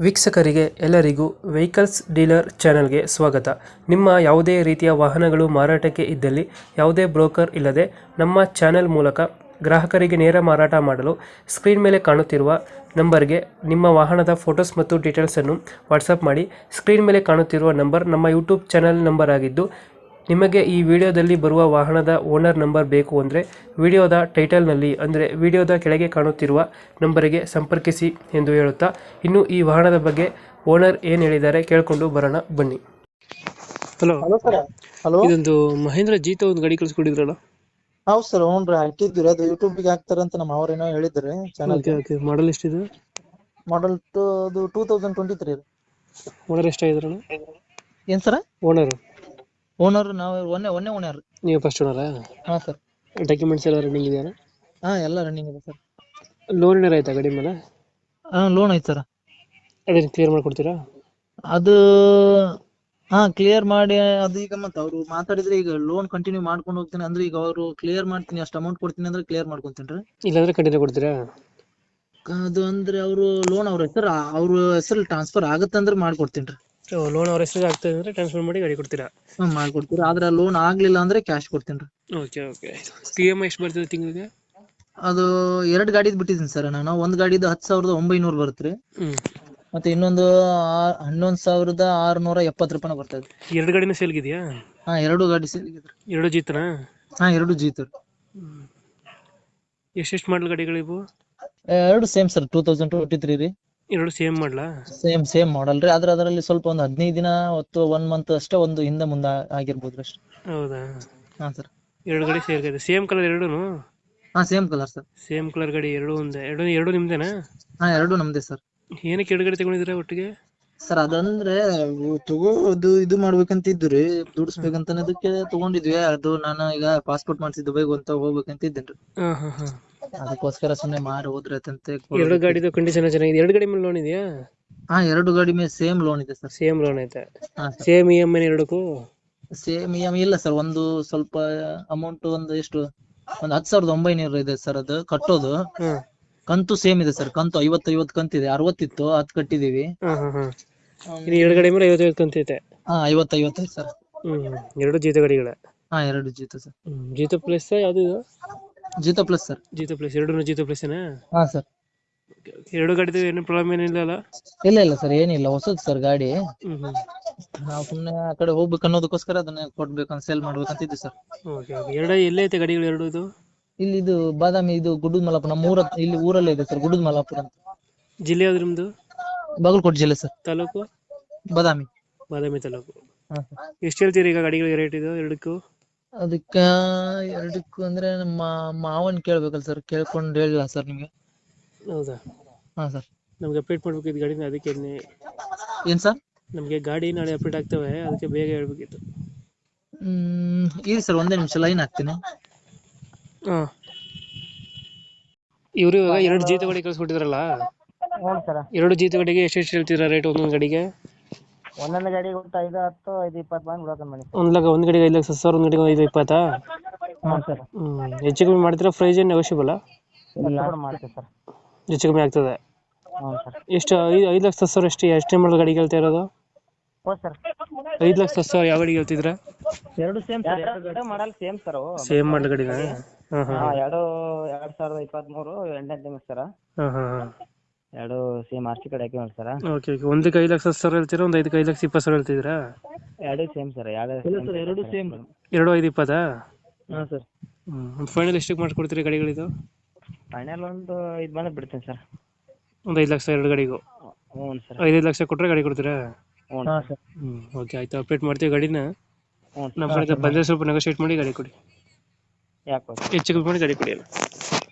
ವೀಕ್ಷಕರಿಗೆ ಎಲ್ಲರಿಗೂ vehicles dealer ಚಾನೆಲ್ಗೆ ಸ್ವಾಗತ. ನಿಮ್ಮ ಯಾವುದೇ ರೀತಿಯ ವಾಹನಗಳು ಮಾರಾಟಕ್ಕೆ ಇದ್ದಲ್ಲಿ ಯಾವುದೇ ಬ್ರೋಕರ್ ಇಲ್ಲದೆ ನಮ್ಮ ಚಾನೆಲ್ ಮೂಲಕ ಗ್ರಾಹಕರಿಗೆ ನೇರ ಮಾರಾಟ ಮಾಡಲು ಸ್ಕ್ರೀನ್ ಮೇಲೆ ಕಾಣುತ್ತಿರುವ ನಂಬರ್ಗೆ ನಿಮ್ಮ ವಾಹನದ ಫೋಟೋಸ್ ಮತ್ತು ಡೀಟೇಲ್ಸನ್ನು ವಾಟ್ಸಪ್ ಮಾಡಿ. ಸ್ಕ್ರೀನ್ ಮೇಲೆ ಕಾಣುತ್ತಿರುವ ನಂಬರ್ ನಮ್ಮ ಯೂಟ್ಯೂಬ್ ಚಾನೆಲ್ ನಂಬರ್ ಆಗಿದ್ದು, ನಿಮಗೆ ಈ ವಿಡಿಯೋದಲ್ಲಿ ಬರುವ ವಾಹನದ ಓನರ್ ನಂಬರ್ ಬೇಕು ಅಂದರೆ ವಿಡಿಯೋದ ಟೈಟಲ್ನಲ್ಲಿ ಅಂದರೆ ವಿಡಿಯೋದ ಕೆಳಗೆ ಕಾಣುತ್ತಿರುವ ನಂಬರಿಗೆ ಸಂಪರ್ಕಿಸಿ ಎಂದು ಹೇಳುತ್ತಾ, ಇನ್ನು ಈ ವಾಹನದ ಬಗ್ಗೆ ಓನರ್ ಏನು ಹೇಳಿದ್ದಾರೆ ಕೇಳಿಕೊಂಡು ಬರೋಣ ಬನ್ನಿ. Hello, hello sir. ಹಲೋ, ಇದೊಂದು ಮಹೇಂದ್ರ ಜೀತ ಒಂದು ಗಾಡಿ ಕಳಿಸ್ಕೊಟ್ಟಿದ್ರಲ್ಲ? ಹೌದು ಸರ್. ಹ್ಞೂ ರೀ, ಹಾಕಿದ್ವಿ. ಅದು ಯೂಟ್ಯೂಬ್ಗೆ ಹಾಕ್ತಾರಂತ ನಮ್ಮ ಅವ್ರೇನೋ ಹೇಳಿದ್ರು ಚಾನಲ್ಗೆ. ಓಕೆ, ಮಾಡಲ್ ಎಷ್ಟಿದೆ? ಮಾಡಲ್ ಅದು 2023 ರೀ. ಓನರ್ ಎಷ್ಟಾಗಿದ್ರಣ? ಏನ್ ಸರ್? ಓನರ್ ಓನರ್ ನಾವು ಒಂದೇ ಓನರ್. ನೀವು ಫಸ್ಟ್ ಓನರಾ? ಹಾಂ ಸರ್. ಡಾಕ್ಯುಮೆಂಟ್ಸ್ ಎಲ್ಲ ರನ್ನಿಂಗ್ ಇದೆಯಾ? ಹಾಂ, ಎಲ್ಲ ರನ್ನಿಂಗ್ ಇದೆ ಸರ್. ಲೋನ್ ಏನಾರ ಆಯ್ತಾ ಗಾಡಿ ಮೇಲೆ? ಹಾಂ, ಲೋನ್ ಐತೆ ಸರ್. ಅದೇನು ಕ್ಲಿಯರ್ ಮಾಡಿಕೊಡ್ತೀರಾ? ಅದು ಕ್ಲಿಯರ್ ಮಾಡಿ, ಅದು ಈಗ ಮತ್ತೆ ಅವರು ಮಾತಾಡಿದ್ರೆ ಈಗ ಲೋನ್ ಕಂಟಿನ್ಯೂ ಮಾಡ್ಕೊಂಡು ಹೋಗ್ತೀನಿ ಅಂದ್ರೆ, ಈಗ ಅವರು ಕ್ಲಿಯರ್ ಮಾಡ್ತೀನಿ ಅಷ್ಟು ಅಮೌಂಟ್ ಕೊಡ್ತೀನಿ ಅಂದ್ರೆ ಕ್ಲಿಯರ್ ಮಾಡ್ಕೊಂತೀನಿ ರೀ. ಇಲ್ಲಾಂದ್ರೆ ಕಂಟಿನ್ಯೂ ಕೊಡ್ತೀರಾ? ಅದು ಅಂದ್ರೆ ಅವರು ಲೋನ್ ಅವ್ರ ಹೆಸರು ಟ್ರಾನ್ಸ್ಫರ್ ಆಗುತ್ತೆ ಅಂದ್ರೆ ಮಾಡ್ಕೊಡ್ತೀನಿ ರೀ. ಲೋನ್ ಅವ್ರ ಹೆಸರು ಆಗ್ತದೆ ಅಂದರೆ ಟ್ರಾನ್ಸ್ಫರ್ ಮಾಡಿ ಗಾಡಿ ಕೊಡ್ತೀರಾ? ಮಾಡ್ಕೊಡ್ತೀರಿ. ಆದ್ರೆ ಲೋನ್ ಆಗ್ಲಿಲ್ಲ ಅಂದ್ರೆ ಕ್ಯಾಶ್ ಕೊಡ್ತೀನಿ ರೀ. ಓಕೆ. ಇ ಎಮ್ ಐ ಎಷ್ಟು ಬರ್ತದೆ ತಿಂಗಳಿಗೆ? ಅದು 2 ಗಾಡಿದ್ ಬಿಟ್ಟಿದ್ದೀನಿ ಸರ್ ನಾನು. ಒಂದ್ ಗಾಡಿದು 10,900 ಬರುತ್ತೆ ರೀ. ಮತ್ತೆ ಇನ್ನೊಂದು 11,670 ರೂಪಾಯಿ ಬರ್ತದೆ. ಎರಡು ಗಾಡಿನ ಸೇಲ್ಗಿದೆಯಾ? ಹಾ, 2 ಗಾಡಿ ಸೇರಿದ್ರಿ. ಎರಡು ಜೀತನಾ? ಹಾ, 2 ಜೀತು. ಎಷ್ಟೆಷ್ಟು ಮಾಡಲ್ ಗಾಡಿಗಳಿವು? 2 ಸೇಮ್ ಸರ್. 2023 ರೀ. ಎರಡು ಸೇಮ್ ಮಾಡಲಾ? ಸೇಮ್ ಮಾಡಲ್ ರೀ. ಆದ್ರೆ ಅದರಲ್ಲಿ ಸ್ವಲ್ಪ ಒಂದು 15 ದಿನ ಹೊತ್ತು 1 ಮಂತ್ ಅಷ್ಟೇ ಒಂದು ಹಿಂದೆ ಮುಂದೆ ಆಗಿರ್ಬೋದು ಅಷ್ಟೇ. ಹೌದಾ? ಹಾ ಸರ್. ಎರಡು ಗಾಡಿ ಸೇರ್ಗಿದೆ. ಸೇಮ್ ಕಲರ್ ಎರಡೂನು? ಹಾ, same colour sir. Same colour ಗಾಡಿ ಎರಡು ಒಂದೇ? ಎರಡು ನಿಮ್ದೇನಾ? ಹಾ, 2 ನಮ್ದೇ ಸರ್. ಏನಕ್ಕೆ ಎರಡು ಗಾಡಿ ತಗೊಂಡಿದ್ದೀರಾ ಒಟ್ಟಿಗೆ? ಸರ್ ಅದಂದ್ರೆ ಇದು ಮಾಡ್ಬೇಕಂತ ಇದ್ದು ರೀ, ದುಡಿಸ್ಬೇಕಂತ ಅದಕ್ಕೆ ತಗೊಂಡಿದ್ವಿ. ಅದು ನಾನು ಈಗ ಪಾಸ್ಪೋರ್ಟ್ ಮಾಡಿಸಿ ದುಬೈಗೆ ಅಂತ ಹೋಗ್ಬೇಕಂತ ಇದ್ದೇನ್ರಿ. ಹಾ. ಅದಕ್ಕೋಸ್ಕರ ಸುಮ್ಮನೆ ಮಾರಿ ಹೋದ್ರೈತಂತೆ. ಎರಡು ಗಾಡಿದು ಕಂಡೀಷನ್ ಚೆನ್ನಾಗಿದೆ. ಎರಡು ಗಾಡಿ ಮೇಲೆ ಲೋನ್ ಇದೆಯಾ? ಹಾ, 2 ಗಾಡಿ ಮೇಲೆ ಸೇಮ್ ಲೋನ್ ಇದೆ ಸರ್. ಸೇಮ್ ಲೋನ್ ಐತೆ? ಹಾ, ಸೇಮ್ ಇ ಎಮ್ ಐ ಎರಡಕ್ಕೂ? ಸೇಮ್ EMI ಇಲ್ಲ ಸರ್. ಒಂದು ಸ್ವಲ್ಪ ಅಮೌಂಟ್ ಒಂದು ಎಷ್ಟು, ಒಂದು 10,900 ಇದೆ ಸರ್ ಅದು ಕಟ್ಟೋದು. ಕಂತು ಸೇಮ್ ಇದೆ ಸರ್. ಕಂತು 50 ಕಂತಿದೆ. 60 ಇತ್ತು, 10 ಕಟ್ಟಿದೀವಿ. ಇನ್ನು ಎರಡು ಗಾಡಿ ಮೇಲೆ 55 ಕಂತೈತೆ? ಹಾ, 55 ಸರ್. ಎರಡು ಜೀತ ಗಾಡಿಗಳ? ಹಾ, 2 ಜೀತ ಸರ್. ಜೀತ ಪ್ಲಸ್ ಯಾವ್ದು ಇದು? ಜೀತ ಪ್ಲಸ್ ಸರ್. ಜೀತ ಪ್ಲಸ್. ಎರಡು ಜೀತ ಪ್ಲಸ್ನಾ? ಹಾ ಸರ್. ಎರಡು ಗಾಡಿದು ಏನು ಪ್ರಾಬ್ಲಮ್ ಏನಿಲ್ಲ ಅಲ್ಲ? ಇಲ್ಲ ಸರ್, ಏನಿಲ್ಲ. ಹೊಸದ್ ಸರ್ ಗಾಡಿ. ನಾವು ಸುಮ್ನೆ ಆ ಕಡೆ ಹೋಗ್ಬೇಕು ಅನ್ನೋದಕ್ಕೋಸ್ಕರ ಅದನ್ನ ಕೊಡ್ಬೇಕಂತ ಸೇಲ್ ಮಾಡ್ಬೇಕಂತ ಇದ್ವಿ ಸರ್. ಓಕೆ. ಎರಡು ಎಲ್ಲೇ ಐತೆ ಗಾಡಿಗಳು ಎರಡು ಇದು? ಇಲ್ಲಿ ಇದು ಬಾದಾಮಿ, ಇದು ಗುಡ್ಡದ ಮಲಾಪುರ. ನಮ್ಮ ಇಲ್ಲಿ ಊರಲ್ಲೇ ಇದೆ ಸರ್, ಗುಡ್ಡದ ಮಲಾಪುರ ಅಂತ. ಜಿಲ್ಲೆ ಯಾವ್ದು ನಿಮ್ದು? ಬಾಗಲಕೋಟೆ ಜಿಲ್ಲೆ ಸರ್. ತಾಲೂಕು? ಬಾದಾಮಿ. ಬಾದಾಮಿ ತಾಲೂಕು. ಹಾ. ಎಷ್ಟು ಹೇಳ್ತೀರಿ ಈಗ ಗಾಡಿಗಳಿಗೆ ರೇಟ್ ಇದು ಎರಡಕ್ಕೂ? ಅದಕ್ಕ ಎರಡಕ್ಕೂ ಅಂದ್ರೆ ನಮ್ಮ ಮಾವನ್ ಕೇಳ್ಬೇಕಲ್ಲ ಸರ್. ಕೇಳ್ಕೊಂಡು ಹೇಳಿಲ್ಲ ಸರ್ ನಿಮ್ಗೆ. ಹೌದಾ? ಹಾ ಸರ್. ನಮ್ಗೆ ಅಪ್ಡೇಟ್ ಮಾಡ್ಬೇಕಿತ್ತು ಗಾಡಿನ, ಅದಕ್ಕೆ. ಏನ್ ಸರ್? ನಮಗೆ ಗಾಡಿ ನಾಳೆ ಅಪ್ಡೇಟ್ ಆಗ್ತವೆ, ಅದಕ್ಕೆ ಬೇಗ ಹೇಳ್ಬೇಕಿತ್ತು. ಇರಿ ಸರ್, ಒಂದೇ ನಿಮಿಷ ಲೈನ್ ಹಾಕ್ತೀನಿ. ಇವರು ಇವಾಗ ಎರಡು ಜೀತ ಗಾಡಿ ಕಳ್ಸಿಕೊಟ್ಟಿದ್ರಲ್ಲ, ಎರಡು ಜೀತ ಗಾಡಿಗೆ ಎಷ್ಟು ಹೇಳ್ತೀರಾ ರೇಟ್ ಒಂದೊಂದು ಗಾಡಿಗೆ? ಒಂದೊಂದು ಗಾಡಿಗೆ 5, 10, 5, 20 ಬಂದು ಬಿಡೋದು ಮನೆ. ಒಂದು ಗಾಡಿಗೆ 5,00,000, ಒಂದು ಗಾಡಿಗೆ 5,20? ಹ್ಞೂ ಸರ್. ಹೆಚ್ಚು ಕಮ್ಮಿ ಮಾಡ್ತೀರಾ? ಪ್ರೈಸ್ ಏನು ನೆಗೋಷಿಯಬಲ್? ಮಾಡ್ತೀವಿ ಸರ್. ಹೆಚ್ಚು ಕಮ್ಮಿ ಆಗ್ತದೆ? ಹ್ಞೂ ಸರ್. ಎಷ್ಟು? 5,10,000 ಎಷ್ಟೇ ಮಾಡಲ್ ಗಾಡಿಗೆ ಹೇಳ್ತಾ ಇರೋದು? ಹ್ಞೂ ಸರ್. 5,10,000 ಯಾವ ಗಾಡಿಗೆ ಹೇಳ್ತಿದ್ರಾ? ಎರಡು ಸೇಮ್ ಸರ್. ಎರಡು model same sir. Same model ಗಾಡಿನಾ? ಎರಡು 2023 8ನೇ ತಿಂಗಳು ಸರ್. ಎರಡು ಸೇಮ್ RC ಕಡೆ ಹಾಕಿ ನೋಡಿ ಸರ್. ಓಕೆ. ಒಂದಕ್ಕೆ 5,10,000 ಹೇಳ್ತೀರಾ, ಒಂದು 5,20,000 ಹೇಳ್ತಿದ್ದೀರಾ? ಎರಡು ಸೇಮ್ ಸರ್. ಎರಡು ಸೇಮ್. ಎರಡು 5,20? ಹಾಂ ಸರ್. ಫೈನಲ್ ಎಷ್ಟಕ್ಕೆ ಮಾಡ್ಕೊಡ್ತೀರಿ ಗಾಡಿಗಳಿದು? ಫೈನಲ್ ಒಂದು 5 ಬಂದು ಬಿಡ್ತೀನಿ ಸರ್. ಒಂದು 5,00,000 ಎರಡು ಗಾಡಿಗೂ? ಹ್ಞೂ ಸರ್. 5 ಲಕ್ಷ ಕೊಟ್ಟರೆ ಗಾಡಿ ಕೊಡ್ತೀರಾ? ಹ್ಞೂ ಸರ್. ಓಕೆ, ಆಯ್ತು. ಅಪ್ಡೇಟ್ ಮಾಡ್ತೀವಿ ಗಾಡಿನ. ಹ್ಞೂ ನಮ್ಮ ಕಡೆ ಬಂದರೆ ಸ್ವಲ್ಪ ನೆಗೋಷಿಯೇಟ್ ಮಾಡಿ ಗಾಡಿ ಕೊಡಿ. ಯಾಕೆ ಹೆಚ್ಚು ಕಮ್ಮಿ ಮಾಡಿ ಗಾಡಿ ಕೊಡಿ.